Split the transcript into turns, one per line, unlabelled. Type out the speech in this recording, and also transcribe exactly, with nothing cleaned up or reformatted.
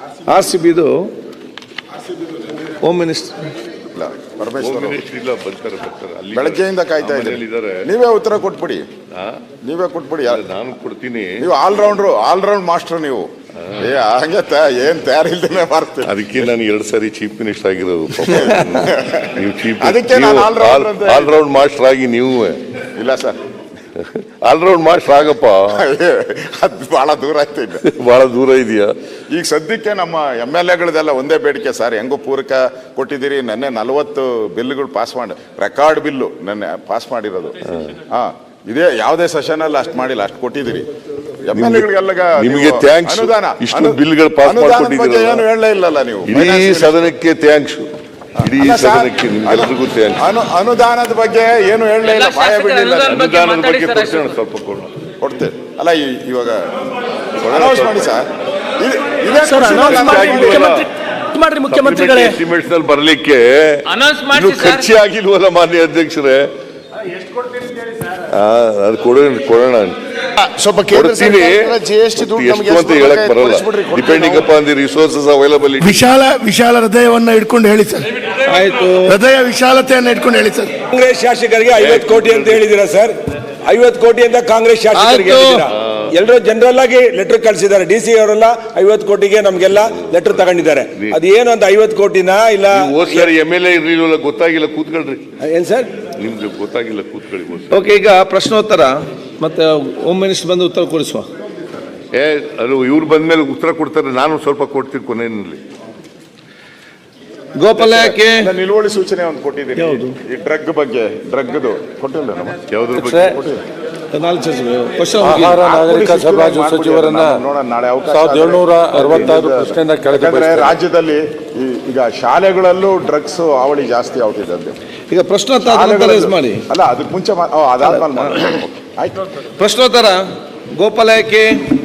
R C ಬಿದು home minister
ಬೆಳಗ್ಗೆಯಿಂದ ಕಾಯ್ತಾ ಇದ್ದಾರೆ. ನೀವೇ ಉತ್ತರ ಕೊಟ್ಬಿಡಿ, ನೀವೇ ಕೊಟ್ಬಿಡಿ.
ನಾನು ಕೊಡ್ತೀನಿ.
ನೀವು ಆಲ್ರೌಂಡ್ರು, ಆಲ್ರೌಂಡ್ ಮಾಸ್ಟರ್ ನೀವು. ಏ ಹಂಗೆ ಏನ್ ತಯಾರಿಲ್ದೇನೆ ಮಾಡ್ತೀವಿ.
ಅದಕ್ಕೆ ನಾನು ಎರಡ್ ಸಾರಿ ಚೀಫ್ ಮಿನಿಸ್ಟರ್ ಆಗಿರೋದು. ನೀವು ಚೀಫ್
ಅದಕ್ಕೆ ನಾನು ಆಲ್ರೌಂಡ್
ಆಲ್ರೌಂಡ್ ಮಾಸ್ಟರ್ ಆಗಿ ನೀವು
ಇಲ್ಲ ಸರ್,
ಆಲ್ರೌಂಡ್ ಮಾಸ್ಟರ್ ಆಗಪ್ಪ.
ಅದು ಬಹಳ ದೂರ ಆಯ್ತು,
ಬಹಳ ದೂರ ಇದೆಯಾ. ಈಗ
ಸದ್ಯಕ್ಕೆ ನಮ್ಮ ಎಮ್ ಎಲ್ ಎಗಳದೆಲ್ಲ ಒಂದೇ ಬೇಡಿಕೆ ಸರ್. ಹೆಂಗೋ ಪೂರಕ ಕೊಟ್ಟಿದ್ದೀರಿ. ನೆನ್ನೆ ನಲವತ್ತು ಬಿಲ್ಗಳು ಪಾಸ್ ಮಾಡಿ, ರೆಕಾರ್ಡ್ ಬಿಲ್ಲು ನೆನ್ನೆ ಪಾಸ್ ಮಾಡಿರೋದು. ಹಾ, ಇದೇ ಯಾವುದೇ ಸೆಷನ್ ಅಲ್ಲಿ ಅಷ್ಟು ಮಾಡಿಲ್ಲ, ಅಷ್ಟು ಕೊಟ್ಟಿದ್ದೀರಿ ಎಮ್ ಎಲ್ ಎಗಳಿಗೆಲ್ಲ.
ನಿಮಗೆ ಥ್ಯಾಂಕ್ಸ್.
ಅನುದಾನ
ಇಷ್ಟು ಬಿಲ್ಗಳು ಪಾಸ್ ಮಾಡಿಕೊಟ್ಟಿದ್ದೀರಿ.
ಏನು ಹೇಳಲೇ ಇಲ್ಲಲ್ಲ ನೀವು.
ಇಡೀ ಸದನಕ್ಕೆ ಥ್ಯಾಂಕ್ಸ್. ಇಡೀ ಸದನಕ್ಕೆ ನಿಮ್ಗೆಲ್ರಿಗೂ ಥ್ಯಾಂಕ್ಸ್.
ಅನುದಾನದ ಬಗ್ಗೆ ಏನು ಹೇಳಲೇ ಇಲ್ಲ, ಬಾಯ ಬಿಡಲಿಲ್ಲ.
ಅನುದಾನದ ಬಗ್ಗೆ ಕೊಡ್ತೇನೆ, ಸ್ವಲ್ಪ
ಕೊಡ್ತೇವೆ ಅಲ್ಲ. ಇವಾಗ ಅನೌನ್ಸ್ ಮಾಡಿ ಸರ್.
ಮಾಡ್ರಿ ಮುಖ್ಯಮಂತ್ರಿಗಳೇ,
ಎಸ್ಟಿಮೇಟ್ಸ್ ನಲ್ಲಿ ಬರ್ಲಿಕ್ಕೆ ಖರ್ಚೆ ಆಗಿಲ್ವಲ್ಲ ಮಾನ್ಯ ಅಧ್ಯಕ್ಷರೇ. ಅದು ಕೊಡೋಣ ಕೊಡೋಣ
ಸ್ವಲ್ಪ
ಕೊಡ್ತೀನಿ. ಎಷ್ಟು ಅಂತ ಹೇಳಕ್ ಬರಲ್ಲ, depending upon the resources available.
ವಿಶಾಲ ವಿಶಾಲ ಹೃದಯವನ್ನ ಇಟ್ಕೊಂಡು ಹೇಳಿ ಸರ್. ಆಯ್ತು, ಹೃದಯ ವಿಶಾಲತೆಯನ್ನ ಇಟ್ಕೊಂಡು ಹೇಳಿ ಸರ್.
ಕಾಂಗ್ರೆಸ್ ಶಾಸಕರಿಗೆ ಐವತ್ತು ಕೋಟಿ ಅಂತ ಹೇಳಿದಿರಾ ಸರ್? ಐವತ್ತು ಕೋಟಿ ಅಂತ ಕಾಂಗ್ರೆಸ್ ಶಾಸಕರಿಗೆ ಎಲ್ಲರೂ ಜನರಲ್ ಆಗಿ ಲೆಟರ್ ಕಳಿಸಿದ್ದಾರೆ. ಡಿ ಸಿ ಅವರೆಲ್ಲ ಐವತ್ತು ಕೋಟಿಗೆ ನಮ್ಗೆಲ್ಲ ಲೆಟರ್ ತಗೊಂಡಿದ್ದಾರೆ. ಅದೇನು ಅಂತ ಐವತ್ತು ಕೋಟಿನ ಇಲ್ಲ
ಸರ್ ಎಮ್ ಎಲ್ ಎ ಇರ್ಲಿಲ್ಲ, ಗೊತ್ತಾಗಿಲ್ಲ, ಕೂತ್ಕೊಳ್ರಿ.
ಏನ್ ಸರ್
ನಿಮ್ಗೆ ಗೊತ್ತಾಗಿಲ್ಲ, ಕೂತ್ಕೊಳ್ಳಿ.
ಓಕೆ, ಈಗ ಪ್ರಶ್ನೋತ್ತರ ಮತ್ತೆ ಹೋಮ್ ಮಿನಿಸ್ಟರ್ ಬಂದು ಉತ್ತರ ಕೊಡಿಸುವ.
ಏ ಅದು ಇವ್ರು ಬಂದ್ಮೇಲೆ ಉತ್ತರ ಕೊಡ್ತಾರೆ, ನಾನು ಸ್ವಲ್ಪ ಕೊಡ್ತೀನಿ ಕೊನೆಯಲ್ಲಿ.
ಗೋಪಾಲ ಯಾಕೆ
ನಿಲುವಳಿ ಸೂಚನೆ ಒಂದು ಕೊಟ್ಟಿದ್ದೀನಿ ಈ ಡ್ರಗ್ ಬಗ್ಗೆ. ಡ್ರಗ್ದು ಕೊಟ್ಟಿಲ್ಲ ನಮ್ಮ
ಯಾವ್ದ್ರ ಬಗ್ಗೆ
ಆಹಾರ ನಾಗರಿಕ ಸರಬರಾಜು ಸಚಿವರನ್ನ ಸಾವಿರದ ಏಳ್ನೂರ ಅರವತ್ತಾರು ಪ್ರಶ್ನೆಯಿಂದ
ಕೆಳಗೆ ರಾಜ್ಯದಲ್ಲಿ ಈಗ ಶಾಲೆಗಳಲ್ಲೂ ಡ್ರಗ್ಸ್ ಹಾವಳಿ ಜಾಸ್ತಿ ಆಗ್ತಿದೆ ಅಂತ.
ಈಗ ಪ್ರಶ್ನೋತ್ತರ ಮಾಡಿ
ಅಲ್ಲ, ಅದಕ್ಕೆ ಮುಂಚೆ ಅದಾದ್ಮೇಲೆ ಆಯ್ತು.
ಪ್ರಶ್ನೋತ್ತರ ಗೋಪಾಲ ಯಾಕೆ